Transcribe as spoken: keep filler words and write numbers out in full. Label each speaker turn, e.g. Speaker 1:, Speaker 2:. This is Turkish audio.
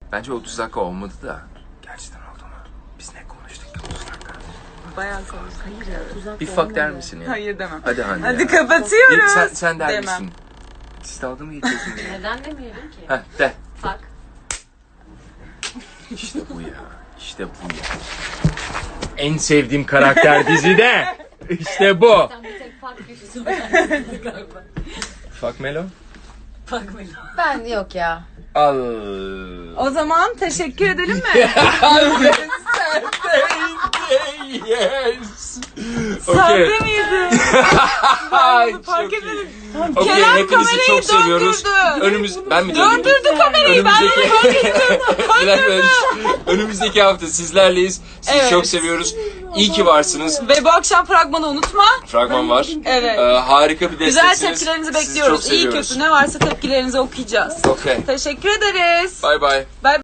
Speaker 1: Bence otuz dakika olmadı da. Gerçekten oldu mu? Biz ne konuştuk ki otuz dakika?
Speaker 2: Bayağı konuştuk.
Speaker 3: Hayır ya. Tuzak
Speaker 1: Bir fuck der misin ya?
Speaker 2: Hayır demem.
Speaker 1: Hadi Hande
Speaker 2: Hadi
Speaker 1: ya.
Speaker 2: kapatıyoruz.
Speaker 1: Sen, sen der
Speaker 2: Demem.
Speaker 1: misin? Siz dalga mı geçiyorsun ya?
Speaker 3: Neden demeyelim ki?
Speaker 1: Heh de.
Speaker 3: Fuck.
Speaker 1: İşte bu ya. İşte bu ya. En sevdiğim karakter dizide. İşte bu.
Speaker 3: Sen bir tek fuck köşesi var galiba.
Speaker 1: Fuck Melo.
Speaker 3: Fuck Melo.
Speaker 4: Ben yok ya.
Speaker 1: Al.
Speaker 2: O zaman teşekkür edelim mi?
Speaker 1: Yes.
Speaker 2: Sahte miydi?
Speaker 1: Ay,
Speaker 2: Fark
Speaker 1: çok iyi.
Speaker 2: etmedim.
Speaker 1: Okey,
Speaker 2: Kerem
Speaker 1: hepinizi
Speaker 2: kamerayı
Speaker 1: çok seviyoruz.
Speaker 2: döndürdü.
Speaker 1: Önümüz ben mi döndürdüm?
Speaker 2: Döndürdü kamerayı. Ben bunu fark ettim.
Speaker 1: Önümüzdeki, önümüzdeki hafta sizlerleyiz. Sizi
Speaker 2: Evet.
Speaker 1: çok seviyoruz. İyi ki varsınız.
Speaker 2: Ve bu akşam fragmanı unutma.
Speaker 1: Fragman var.
Speaker 2: Evet.
Speaker 1: Ee, harika bir
Speaker 2: Güzel
Speaker 1: desteksiniz.
Speaker 2: tepkilerinizi
Speaker 1: Sizi
Speaker 2: bekliyoruz.
Speaker 1: çok
Speaker 2: İyi
Speaker 1: seviyoruz.
Speaker 2: kötü ne varsa tepkilerinizi okuyacağız.
Speaker 1: Okey.
Speaker 2: Teşekkür ederiz.
Speaker 1: Bye bye.
Speaker 2: Bye.